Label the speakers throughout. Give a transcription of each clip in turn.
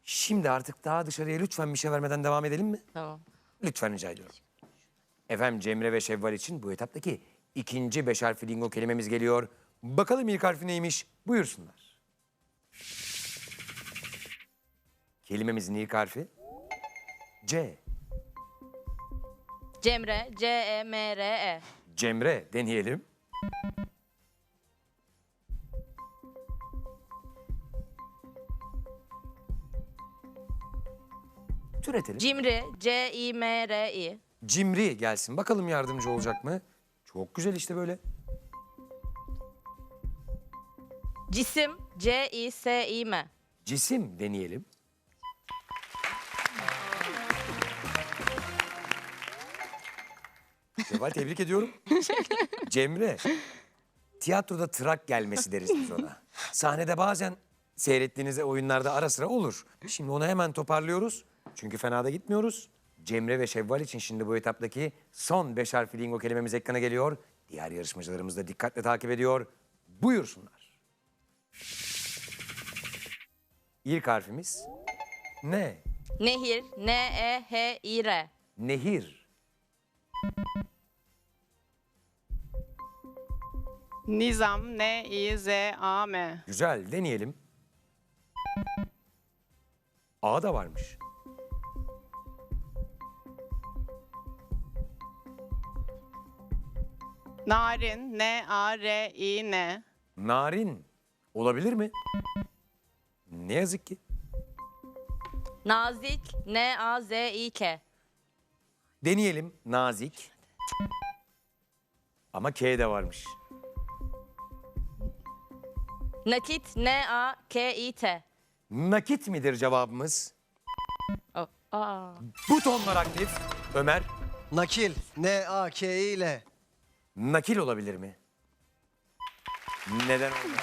Speaker 1: Şimdi artık daha dışarıya lütfen bir şey vermeden devam edelim mi?
Speaker 2: Tamam.
Speaker 1: Lütfen rica ediyorum. Efendim Cemre ve Şevval için bu etaptaki ikinci 5 harfli lingo kelimemiz geliyor. Bakalım ilk harfi neymiş? Buyursunlar. Kelimemizin ilk harfi C.
Speaker 2: Cemre, C-E-M-R-E.
Speaker 1: Cemre deneyelim. Türetelim.
Speaker 2: Cimri, C-İ-M-R-İ.
Speaker 1: Cimri gelsin. Bakalım yardımcı olacak mı? Çok güzel işte böyle.
Speaker 2: Cisim, C-İ-S-İ-M.
Speaker 1: Cisim deneyelim. Şevval tebrik ediyorum. Cemre, tiyatroda trak gelmesi deriz biz ona. Sahnede bazen seyrettiğiniz oyunlarda ara sıra olur. Şimdi onu hemen toparlıyoruz. Çünkü fena da gitmiyoruz. Cemre ve Şevval için şimdi bu etaptaki son 5 harfli lingo kelimemiz ekrana geliyor. Diğer yarışmacılarımız da dikkatle takip ediyor. Buyursunlar. İlk harfimiz ne?
Speaker 2: Nehir, N-E-H-İ-R.
Speaker 1: Nehir.
Speaker 3: Nizam, N-İ-Z-A-M.
Speaker 1: Güzel, deneyelim. A da varmış.
Speaker 3: Narin, N-A-R-İ-N.
Speaker 1: Narin. Olabilir mi? Ne yazık ki.
Speaker 2: Nazik, N-A-Z-İ-K.
Speaker 1: Deneyelim. Nazik. Ama K de varmış.
Speaker 2: Nakit, N-A-K-İ-T.
Speaker 1: Nakit midir cevabımız?
Speaker 2: Oh, aa.
Speaker 1: Butonlar aktif. Ömer,
Speaker 4: Nakil. N-A-K-İ ile.
Speaker 1: nakil olabilir mi? Neden olmasın?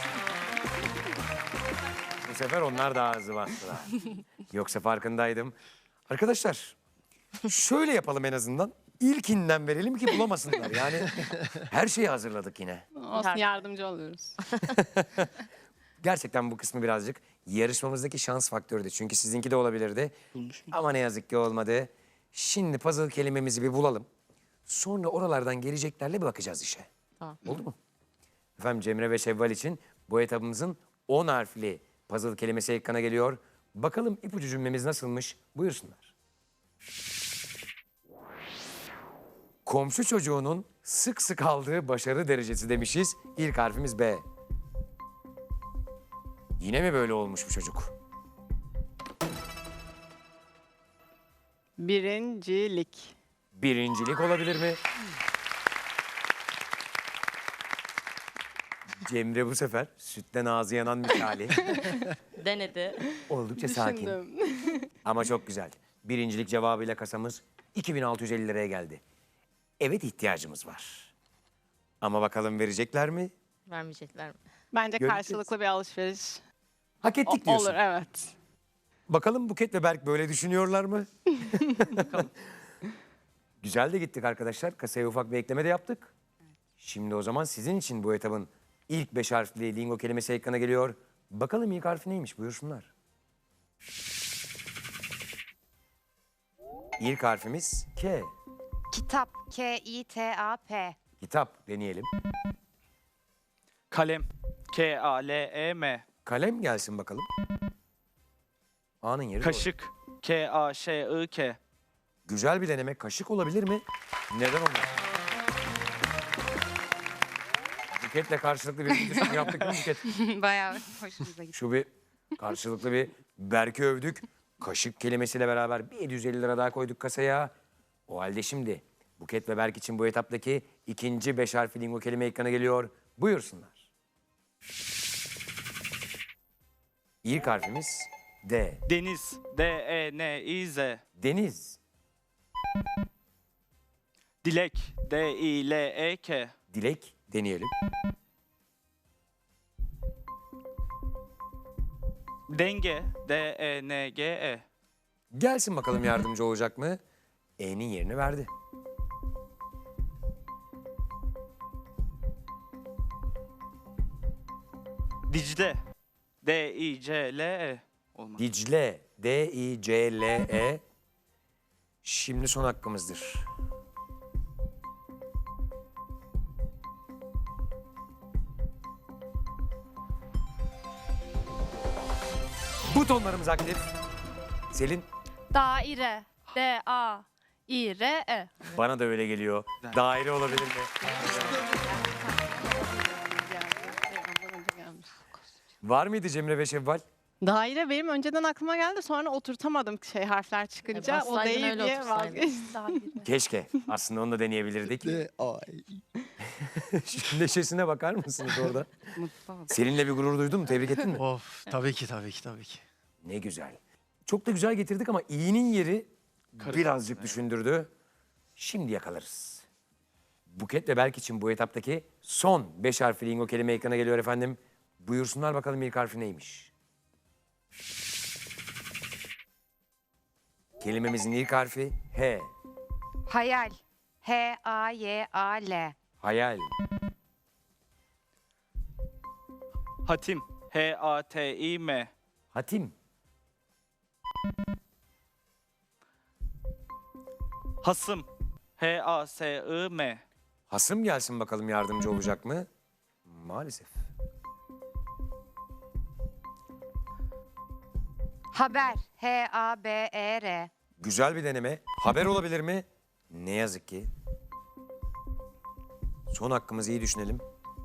Speaker 1: Bu sefer onlar daha hızlı bastılar. Yoksa farkındaydım. Arkadaşlar, şöyle yapalım en azından. İlkinden verelim ki bulamasınlar. Yani her şeyi hazırladık yine.
Speaker 3: Olsun, yardımcı oluyoruz.
Speaker 1: Gerçekten bu kısmı birazcık yarışmamızdaki şans faktörüydü. Çünkü sizinki de olabilirdi. Ama ne yazık ki olmadı. Şimdi puzzle kelimemizi bir bulalım. Sonra oralardan geleceklerle bir bakacağız işe.
Speaker 2: Tamam.
Speaker 1: Oldu mu? Efendim Cemre ve Şevval için bu etabımızın 10 harfli puzzle kelimesi ekrana geliyor. Bakalım ipucu cümlemiz nasılmış? Buyursunlar. Komşu çocuğunun sık sık aldığı başarı derecesi demişiz. İlk harfimiz B. Yine mi böyle olmuş bu çocuk?
Speaker 3: Birincilik.
Speaker 1: Birincilik olabilir mi? Cemre bu sefer sütten ağzı yanan misali.
Speaker 2: Denedi.
Speaker 1: Oldukça sakin.
Speaker 3: Düşündüm.
Speaker 1: Ama çok güzel. Birincilik cevabıyla kasamız 2650 liraya geldi. Evet, ihtiyacımız var. Ama bakalım verecekler mi?
Speaker 2: Vermeyecekler mi?
Speaker 3: Bence
Speaker 1: Göreceğiz.
Speaker 3: karşılıklı bir alışveriş
Speaker 1: Hak ettik diyorsun.
Speaker 3: olur, evet.
Speaker 1: Bakalım Buket ve Berk böyle düşünüyorlar mı? Güzel de gittik arkadaşlar. Kasaya ufak bir ekleme de yaptık. Şimdi o zaman sizin için bu etabın ilk 5 harfli lingo kelimesi ekrana geliyor. Bakalım ilk harfi neymiş? Buyursunlar. İlk harfimiz K.
Speaker 5: Kitap, K-İ-T-A-P.
Speaker 1: Kitap deneyelim.
Speaker 6: Kalem. K-A-L-E-M.
Speaker 1: Kalem gelsin bakalım. A'nın yeri doğru.
Speaker 6: Kaşık. K-A-Ş-I-K.
Speaker 1: Güzel bir deneme. Kaşık olabilir mi? Neden olmaz? Buket'le karşılıklı bir düşünme yaptık değil mi Buket?
Speaker 5: Bayağı hoşumuza gitti.
Speaker 1: Şu bir karşılıklı bir Berk'i övdük. Kaşık kelimesiyle beraber bir 750 lira daha koyduk kasaya. O halde şimdi Buket ve Berk için bu etaptaki ikinci 5 harfli lingo kelime ekrana geliyor. Buyursunlar. İlk harfimiz D.
Speaker 6: Deniz. D-E-N-İ-Z.
Speaker 1: Deniz.
Speaker 6: Dilek. D-İ-L-E-K.
Speaker 1: Dilek deneyelim.
Speaker 6: Denge. D-E-N-G-E.
Speaker 1: Gelsin bakalım yardımcı olacak mı? E'nin yerini verdi.
Speaker 6: Dicle. D-İ-C-L-E. Olmaz.
Speaker 1: Dicle D-I-C-L-E. Şimdi son hakkımızdır. Butonlarımız aktif. Selin,
Speaker 7: Daire. D-A-İ-R-E.
Speaker 1: bana da öyle geliyor. Daire olabilir mi?
Speaker 3: Ondan önce gelmiş.
Speaker 1: Var mıydı Cemre ve Şevval?
Speaker 3: Daire benim önceden aklıma geldi. Sonra oturtamadım harfler çıkınca. O
Speaker 2: bassaydın
Speaker 3: değil
Speaker 2: öyle
Speaker 3: diye
Speaker 2: otursaydın.
Speaker 3: vazgeçtim.
Speaker 1: Keşke. Aslında onu da deneyebilirdik.
Speaker 4: Ne A
Speaker 1: Şu neşesine bakar mısınız orada?
Speaker 5: Mutlu oldum.
Speaker 1: Seninle bir gurur duydun mu? Tebrik ettin mi?
Speaker 4: Of tabii ki tabii ki tabii ki.
Speaker 1: Ne güzel. Çok da güzel getirdik ama i'nin yeri birazcık düşündürdü. Şimdi yakalarız. Buket ve Berk için bu etaptaki son 5 harfli lingo kelime ekrana geliyor efendim. Buyursunlar bakalım ilk harfi neymiş? Kelimemizin ilk harfi H.
Speaker 5: Hayal. H-A-Y-A-L.
Speaker 1: Hayal.
Speaker 6: Hatim. H-A-T-İ-M.
Speaker 1: Hatim.
Speaker 6: Hasım. H-A-S-I-M.
Speaker 1: Hasım gelsin bakalım yardımcı olacak mı? Maalesef.
Speaker 5: Haber. H-A-B-E-R.
Speaker 1: Güzel bir deneme. Haber olabilir mi? Ne yazık ki. Son hakkımızı iyi düşünelim.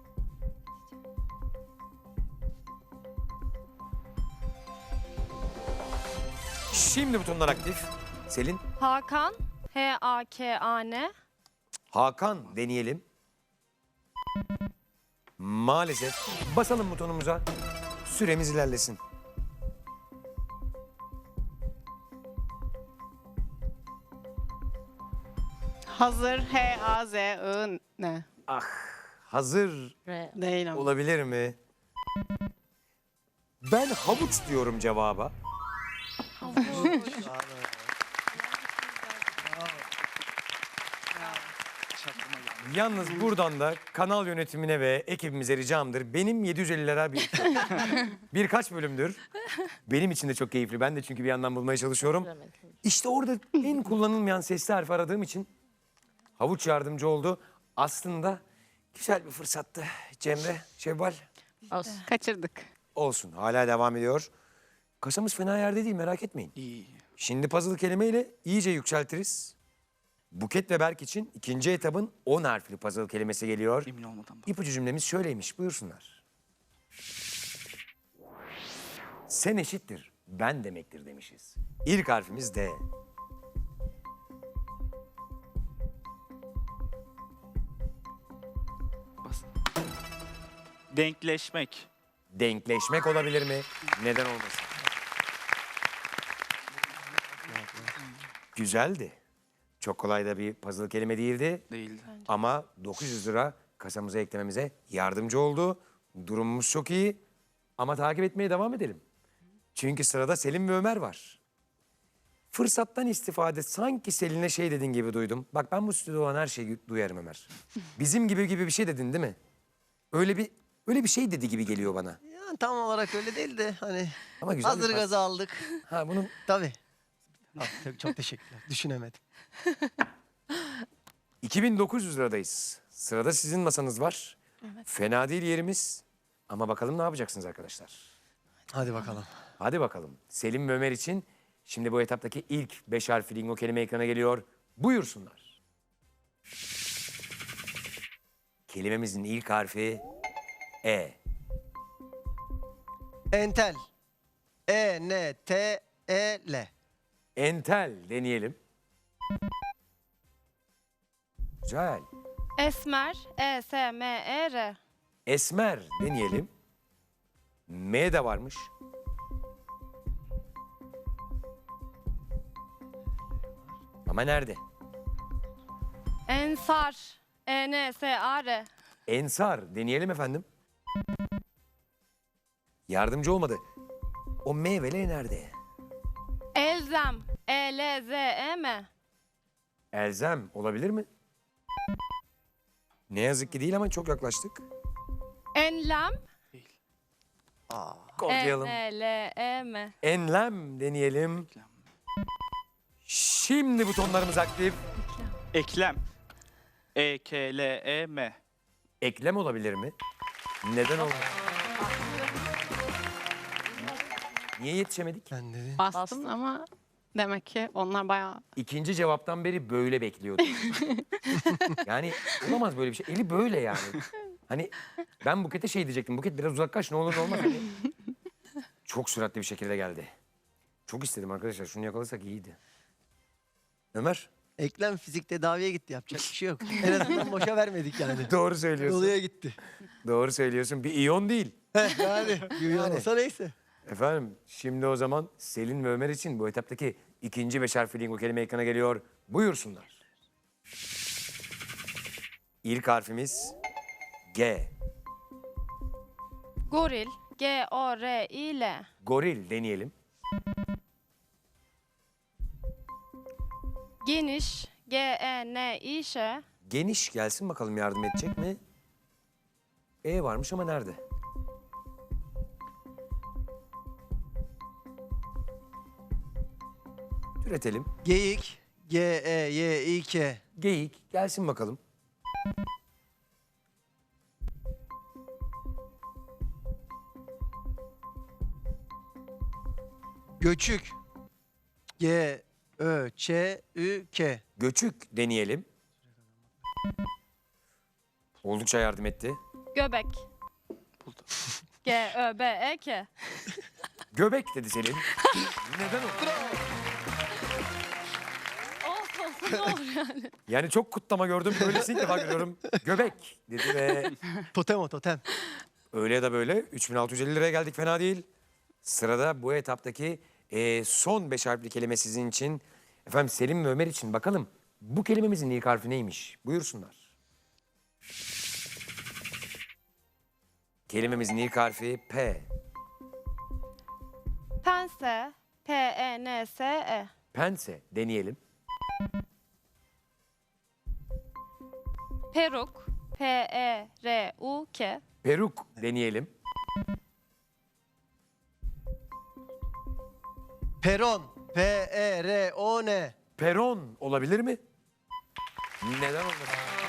Speaker 1: Şimdi butonlar aktif. Selin,
Speaker 7: Hakan. H-A-K-A-N.
Speaker 1: Hakan deneyelim. Maalesef. Basalım butonumuza. Süremiz ilerlesin.
Speaker 3: Hazır. H-A-Z-I-N.
Speaker 1: Hazır
Speaker 2: R.
Speaker 3: Değil ama.
Speaker 1: olabilir mi? Ben havuç diyorum cevaba. Yalnız buradan da kanal yönetimine ve ekibimize ricamdır. Benim 750 lira birkaç bölümdür. Benim için de çok keyifli. Ben de çünkü bir yandan bulmaya çalışıyorum. İşte orada en kullanılmayan sesli harf aradığım için havuç yardımcı oldu. Aslında güzel bir fırsattı. Cemre, Şevval
Speaker 2: Olsun.
Speaker 3: Kaçırdık.
Speaker 1: olsun. Hala devam ediyor. Kasamız fena yerde değil, merak etmeyin.
Speaker 6: İyi.
Speaker 1: Şimdi puzzle kelimeyle iyice yükseltiriz. Buket ve Berk için ikinci etabın 10 harfli puzzle kelimesi geliyor.
Speaker 6: Emin olmadan bak.
Speaker 1: İpucu cümlemiz şöyleymiş, buyursunlar. Sen eşittir, ben demektir demişiz. İlk harfimiz D.
Speaker 6: Bas. Denkleşmek.
Speaker 1: Denkleşmek olabilir mi? Neden olmasın? Güzeldi. Çok kolay da bir puzzle kelime değildi.
Speaker 6: Değildi.
Speaker 1: Ama 900 lira kasamıza eklememize yardımcı oldu. Durumumuz çok iyi ama takip etmeye devam edelim. Çünkü sırada Selim ve Ömer var. Fırsattan istifade sanki Selin'e şey dedin gibi duydum. Bak ben bu stüdyoda olan her şeyi duyarım Ömer. Bizim gibi bir şey dedin değil mi? Öyle bir şey dedi gibi geliyor bana.
Speaker 4: Yani tam olarak öyle değil de hani
Speaker 1: Ama güzel bir
Speaker 4: hazır
Speaker 1: pas.
Speaker 4: gazı aldık.
Speaker 1: Ha bunu
Speaker 4: Tabii. Çok teşekkürler. Düşünemedim.
Speaker 1: 2900 liradayız. Sırada sizin masanız var. Fena değil yerimiz. Ama bakalım ne yapacaksınız arkadaşlar?
Speaker 4: Hadi bakalım.
Speaker 1: Hadi bakalım. Selim ve Ömer için şimdi bu etaptaki ilk 5 harfli lingo kelime ekrana geliyor. Buyursunlar. Kelimemizin ilk harfi E.
Speaker 4: Entel. E-N-T-E-L.
Speaker 1: Entel deneyelim. Güzel.
Speaker 7: Esmer. E-S-M-E-R.
Speaker 1: Esmer deneyelim. M de varmış. Ama nerede?
Speaker 7: Ensar. E-N-S-A-R.
Speaker 1: Ensar deneyelim efendim. Yardımcı olmadı. O meyveli nerede?
Speaker 7: Elzem. E-L-Z-E-M.
Speaker 1: Elzem olabilir mi? Ne yazık ki değil ama çok yaklaştık.
Speaker 7: Enlem.
Speaker 1: Kodlayalım.
Speaker 7: E-N-L-E-M.
Speaker 1: Enlem deneyelim. Şimdi butonlarımız aktif.
Speaker 6: Eklem. E-K-L-E-M.
Speaker 1: Eklem olabilir mi? Neden olmaz? Niye yetişemedik?
Speaker 4: Ben dedim.
Speaker 3: Bastım ama demek ki onlar bayağı...
Speaker 1: İkinci cevaptan beri böyle bekliyordum. Yani olamaz böyle bir şey. Eli böyle yani. Hani ben Buket'e şey diyecektim. Buket biraz uzaklaş ne olur ne olmaz. Hani. Çok süratli bir şekilde geldi. Çok istedim arkadaşlar. Şunu yakalasak iyiydi. Ömer.
Speaker 4: Eklem fizik tedaviye gitti. Yapacak bir şey yok. En azından boşa vermedik yani.
Speaker 1: Doğru söylüyorsun.
Speaker 4: Doluya gitti.
Speaker 1: Doğru söylüyorsun. Bir iyon değil.
Speaker 4: Yani.
Speaker 1: Yani.
Speaker 4: Olsa neyse.
Speaker 1: Efendim şimdi o zaman Selin ve Ömer için bu etaptaki ikinci 5 harfli lingo kelime ekrana geliyor. Buyursunlar. İlk harfimiz G.
Speaker 7: Goril. G-O-R-İ-L.
Speaker 1: Goril deneyelim.
Speaker 7: Geniş. G-E-N-İ-Ş.
Speaker 1: Geniş gelsin bakalım yardım edecek mi? E varmış ama nerede? Türetelim.
Speaker 4: Geyik. G-E-Y-İ-K.
Speaker 1: Geyik gelsin bakalım.
Speaker 4: Göçük. G-Ö-Ç-Ü-K.
Speaker 1: Göçük deneyelim. Oldukça yardım etti.
Speaker 7: Göbek. G-Ö-B-E-K.
Speaker 1: Göbek dedi Selin. Neden o?
Speaker 7: Olsun olsun ne olur yani.
Speaker 1: Yani çok kutlama gördüm. Böylesini ilk defa görüyorum. Göbek dedi ve
Speaker 4: Totem o totem.
Speaker 1: öyle ya da böyle 3650 liraya geldik fena değil. Sırada bu etaptaki son 5 harfli kelime sizin için. Efendim Selim ve Ömer için bakalım bu kelimemizin ilk harfi neymiş? Buyursunlar. Kelimemizin ilk harfi P.
Speaker 7: Pense. P-E-N-S-E.
Speaker 1: Pense deneyelim.
Speaker 7: Peruk. P-E-R-U-K.
Speaker 1: Peruk deneyelim.
Speaker 4: Peron. P-E-R-O-N.
Speaker 1: Peron olabilir mi? Neden olmasın?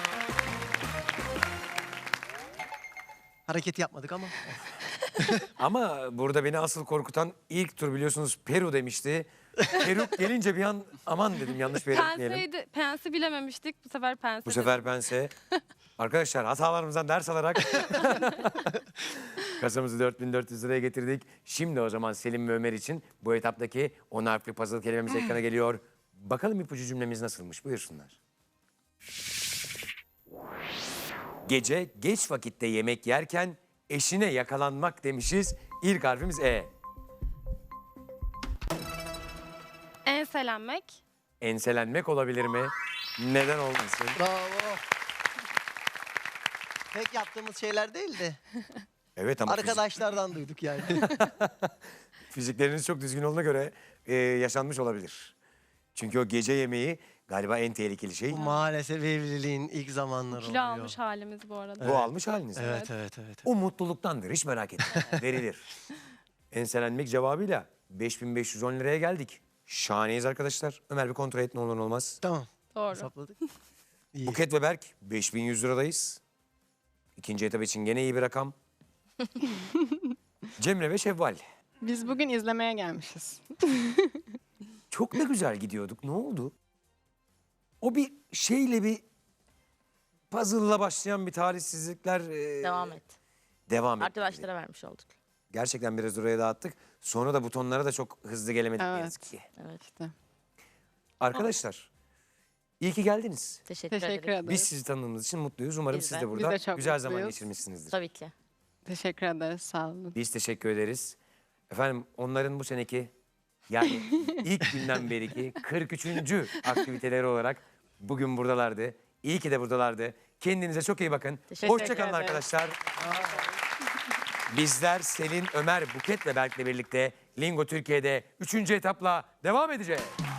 Speaker 4: Hareketi yapmadık ama.
Speaker 1: Ama burada beni asıl korkutan ilk tur biliyorsunuz Peru demişti. Peruk gelince bir an aman dedim yanlış bir yere gitmeyelim.
Speaker 7: Penseydi. Pensi bilememiştik. Bu sefer pense.
Speaker 1: Bu sefer pense. Arkadaşlar hatalarımızdan ders alarak kasamızı 4400 liraya getirdik. Şimdi o zaman Selim ve Ömer için bu etaptaki 10 harfli puzzle kelimemiz ekrana geliyor. Bakalım ipucu cümlemiz nasılmış buyursunlar. Gece geç vakitte yemek yerken eşine yakalanmak demişiz. İlk harfimiz E.
Speaker 7: Enselenmek.
Speaker 1: Enselenmek olabilir mi? Neden olmasın?
Speaker 4: Bravo. Pek yaptığımız şeyler değildi.
Speaker 1: Evet ama
Speaker 4: Arkadaşlardan duyduk yani.
Speaker 1: fizikleriniz çok düzgün olduğuna göre yaşanmış olabilir. Çünkü o gece yemeği galiba en tehlikeli şey.
Speaker 4: Bu maalesef evliliğin ilk zamanları
Speaker 7: Kilo
Speaker 4: oluyor.
Speaker 7: almış halimiz bu arada.
Speaker 1: Bu almış haliniz.
Speaker 4: Evet.
Speaker 1: O mutluluktandır hiç merak etme. Verilir. Enselenmek cevabıyla 5510 liraya geldik. Şahaneyiz arkadaşlar. Ömer bir kontrol et ne olur ne olmaz.
Speaker 4: Tamam.
Speaker 7: Doğru.
Speaker 4: Hesapladık. İyi.
Speaker 1: Buket ve Berk 5100 liradayız. İkinci etap için gene iyi bir rakam. Cemre ve Şevval.
Speaker 3: Biz bugün izlemeye gelmişiz.
Speaker 1: Çok da güzel gidiyorduk. Ne oldu? O bir şeyle bir puzzle'la başlayan bir talihsizlikler
Speaker 2: Devam et.
Speaker 1: devam etti.
Speaker 2: Arkadaşlara vermiş olduk.
Speaker 1: Gerçekten biraz oraya dağıttık. Sonra da butonlara da çok hızlı gelemedik ne
Speaker 3: Evet.
Speaker 1: yazık ki.
Speaker 2: Evet.
Speaker 3: İşte.
Speaker 1: Arkadaşlar iyi ki geldiniz.
Speaker 2: Teşekkür
Speaker 3: Teşekkür
Speaker 2: ederim.
Speaker 3: ederiz.
Speaker 1: Biz sizi tanıdığımız için mutluyuz. Umarım
Speaker 2: Biz
Speaker 1: siz
Speaker 2: de.
Speaker 1: de burada
Speaker 3: Biz de çok
Speaker 1: güzel zaman
Speaker 3: mutluyuz.
Speaker 1: geçirmişsinizdir.
Speaker 2: Tabii ki.
Speaker 3: Teşekkür ederiz. Sağ olun.
Speaker 1: Biz teşekkür ederiz. Efendim onların bu seneki yani ilk günden beriki 43. aktiviteleri olarak bugün buradalardı. İyi ki de buradalardı. Kendinize çok iyi bakın.
Speaker 2: Teşekkür
Speaker 1: Hoşçakalın
Speaker 3: ederiz.
Speaker 1: arkadaşlar. Bizler Selin, Ömer, Buket ve Berk'le birlikte Lingo Türkiye'de 3. etapla devam edeceğiz.